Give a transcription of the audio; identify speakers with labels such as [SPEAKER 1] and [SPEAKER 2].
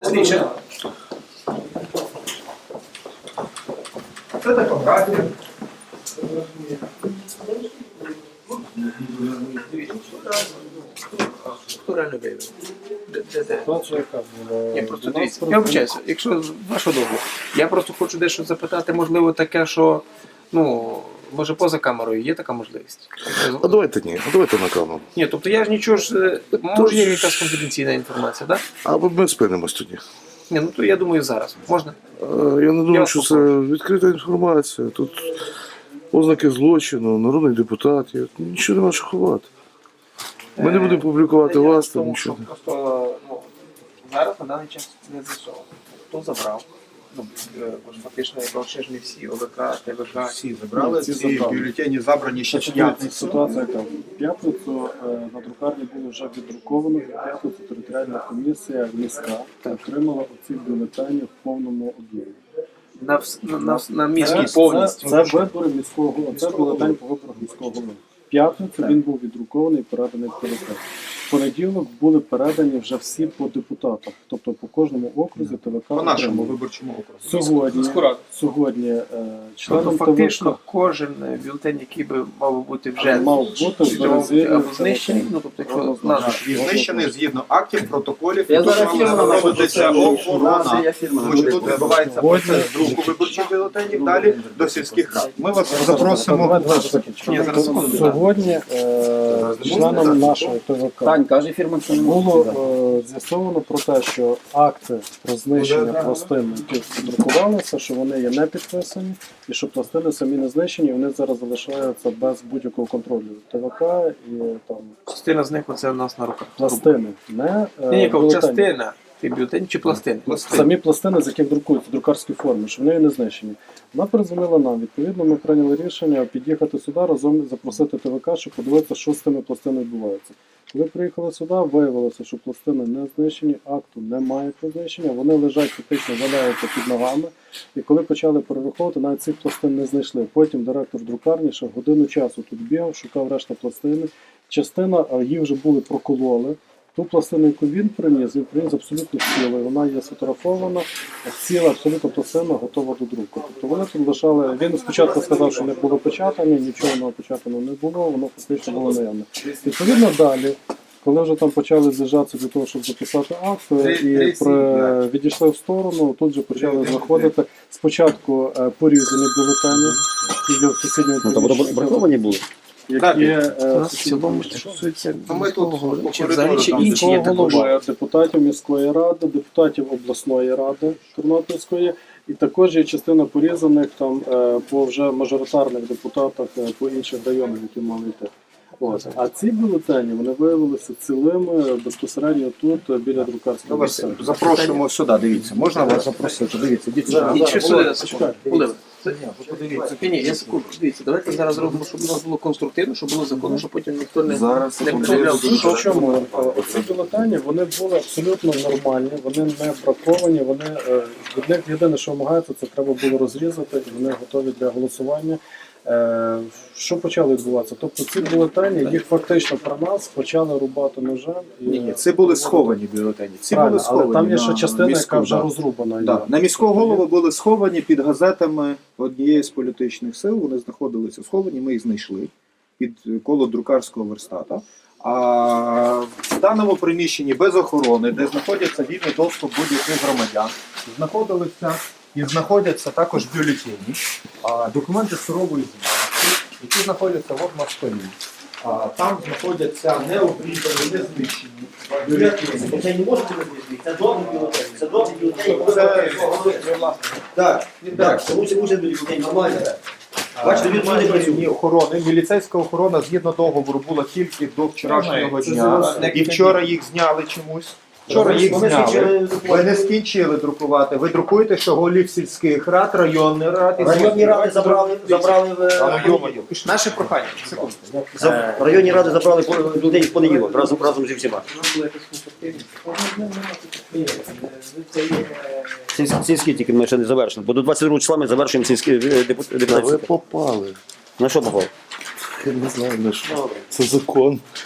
[SPEAKER 1] Слідче. Це типографія. Хто реально виявив? Ні, просто дивіться. Я вибачаюся, якщо вашу дозволу. Я просто хочу дещо запитати, можливо, таке, що, може поза камерою є така можливість?
[SPEAKER 2] А давайте ні, давайте на камеру.
[SPEAKER 1] Ні, тобто я ж нічого ж, може є якась конфіденційна інформація, так?
[SPEAKER 2] А ми спинимось тоді.
[SPEAKER 1] Ні, то я думаю зараз. Можна?
[SPEAKER 2] Я не думаю, що це відкрита інформація. Тут ознаки злочину, народний депутат, нічого нема що ховати. Ми не будемо публікувати вас, там нічого.
[SPEAKER 1] Просто зараз на даний час не з'ясовано. Хто забрав? Фактично, ще ж не всі, ОВК, ТВК.
[SPEAKER 3] Всі забрали, ці бюлетені забрані ще в п'ятницю.
[SPEAKER 4] Ситуація яка? В п'ятницю на друкарні було вже віддруковано, в п'ятницю територіальна комісія міська отримала оці бюлетені в повному об'ємі.
[SPEAKER 1] На міській повністю.
[SPEAKER 4] Це вибори міського голови, це бюлетень по виборах міського голови. В п'ятницю він був віддрукований і переданий в ТВК. В понеділок були передані вже всі по депутатах, тобто по кожному окрузі ТВК.
[SPEAKER 3] По нашому виборчому окрузі.
[SPEAKER 4] Сьогодні членам
[SPEAKER 1] Тобто фактично
[SPEAKER 4] ТВК
[SPEAKER 1] кожен бюлетень, який би мав бути вже
[SPEAKER 4] мав бути
[SPEAKER 1] або знищений, тобто якщо назва.
[SPEAKER 3] І знищений згідно актів, протоколів,
[SPEAKER 5] Я
[SPEAKER 3] тут
[SPEAKER 5] зараз
[SPEAKER 3] мала
[SPEAKER 5] фірма
[SPEAKER 3] проводитися охорона.
[SPEAKER 5] Я фірма
[SPEAKER 3] Тому що тут відбувається процес друку виборчих бюлетенів, далі до сільських рад. Ми вас запросимо.
[SPEAKER 1] Ні, зараз секунду.
[SPEAKER 4] Сьогодні членам нашого ТВК
[SPEAKER 5] Тань, каже фірма, що не
[SPEAKER 4] було з'ясовано про те, що акти про знищення пластин, які друкувалися, що вони є не підписані, і що пластини самі не знищені, і вони зараз залишаються без будь-якого контролю. ТВК і там
[SPEAKER 1] Частина з них оце у нас на руках.
[SPEAKER 4] пластини, не
[SPEAKER 1] Ні,
[SPEAKER 4] бюлетені.
[SPEAKER 1] частина. Ти бюлетень чи пластини?
[SPEAKER 4] Самі пластини, з яких друкуються в друкарській формі, що вони є не знищені. Вона передзвонила нам. Відповідно, ми прийняли рішення під'їхати сюди, разом запросити ТВК, щоб подивитися, що з цими пластинами відбувається. Коли приїхали сюди, виявилося, що пластини не знищені, акту немає про знищення, вони лежать фактично, валяються під ногами. І коли почали перераховувати, навіть цих пластин не знайшли. Потім директор друкарні ще годину часу тут бігав, шукав решта пластини. Частина їх вже були прокололи. Ту пластину, яку він приніс абсолютно цілою. Вона є сфотографована, ціла абсолютно пластина готова до друку. Тобто вони тут лишали. Він спочатку сказав, що не було печатання, нічого опечатано не було, воно фактично було наявне. Відповідно, далі, коли вже там почали з'їжджатися для того, щоб записати акт, і відійшли в сторону, тут же почали знаходити спочатку порізані бюлетені, які в сусідньому приміщенні.
[SPEAKER 5] браковані були?
[SPEAKER 4] Які
[SPEAKER 1] В цілому стосується
[SPEAKER 3] Ми тут
[SPEAKER 1] чи взагалі чи інші
[SPEAKER 4] міського
[SPEAKER 1] є також.
[SPEAKER 4] голови, депутатів міської ради, депутатів обласної ради Тернопільської, і також є частина порізаних там по вже мажоритарних депутатах по інших районах, які мали йти. Ось. А ці бюлетені вони виявилися цілими безпосередньо тут біля друкарської
[SPEAKER 3] Вас
[SPEAKER 4] місця.
[SPEAKER 3] запрошуємо сюди, дивіться. Можна вас запросити? Дивіться,
[SPEAKER 1] Інші сюди, секунду. Ні, я секунду. Дивіться, давайте зараз зробимо, щоб у нас було конструктивно, щоб було законно, щоб потім ніхто не проявляв.
[SPEAKER 4] Чому? Оці бюлетені, вони були абсолютно нормальні, вони не браковані, вони, від них єдине, що вимагається, це треба було розрізати, і вони готові для голосування. Що почало відбуватися? Тобто ці бюлетені, їх фактично про нас почали рубати ножем.
[SPEAKER 3] Ні, це були сховані бюлетені. Ці були сховані.
[SPEAKER 4] Але там є ще
[SPEAKER 3] на
[SPEAKER 4] частина,
[SPEAKER 3] міську,
[SPEAKER 4] яка вже
[SPEAKER 3] да.
[SPEAKER 4] розрубана.
[SPEAKER 3] Да. На міського голову були сховані під газетами однієї з політичних сил. Вони знаходилися сховані, ми їх знайшли під коло друкарського верстата. А в даному приміщенні без охорони, де знаходиться вільний доступ будь-яких громадян, знаходилися і знаходяться також бюлетені, документи сурової звітності, які знаходяться от на столі. Там знаходяться необрізані, не знищені бюлетені.
[SPEAKER 5] Це не може бути знищений, це добрий бюлетень. Це добрий бюлетень. Так, тому що може бюлетень нормально. Бачите, він не працює.
[SPEAKER 3] Охорони, міліцейська охорона згідно договору була тільки до вчорашнього дня. І вчора їх зняли чомусь. Вчора їх зняли. Ви не скінчили друкувати. Ви друкуєте, що голів сільських рад, районних рад.
[SPEAKER 5] Районні ради забрали
[SPEAKER 1] Наше прохання, секунду.
[SPEAKER 5] районні ради забрали людей в понеділок разом зі всіма. Сільські тільки ми ще не завершили, бо до 22 числа ми завершуємо сільські
[SPEAKER 2] Ви
[SPEAKER 5] депутатські.
[SPEAKER 2] попали.
[SPEAKER 5] На що попав?
[SPEAKER 2] Я не знаю, на що. Це закон.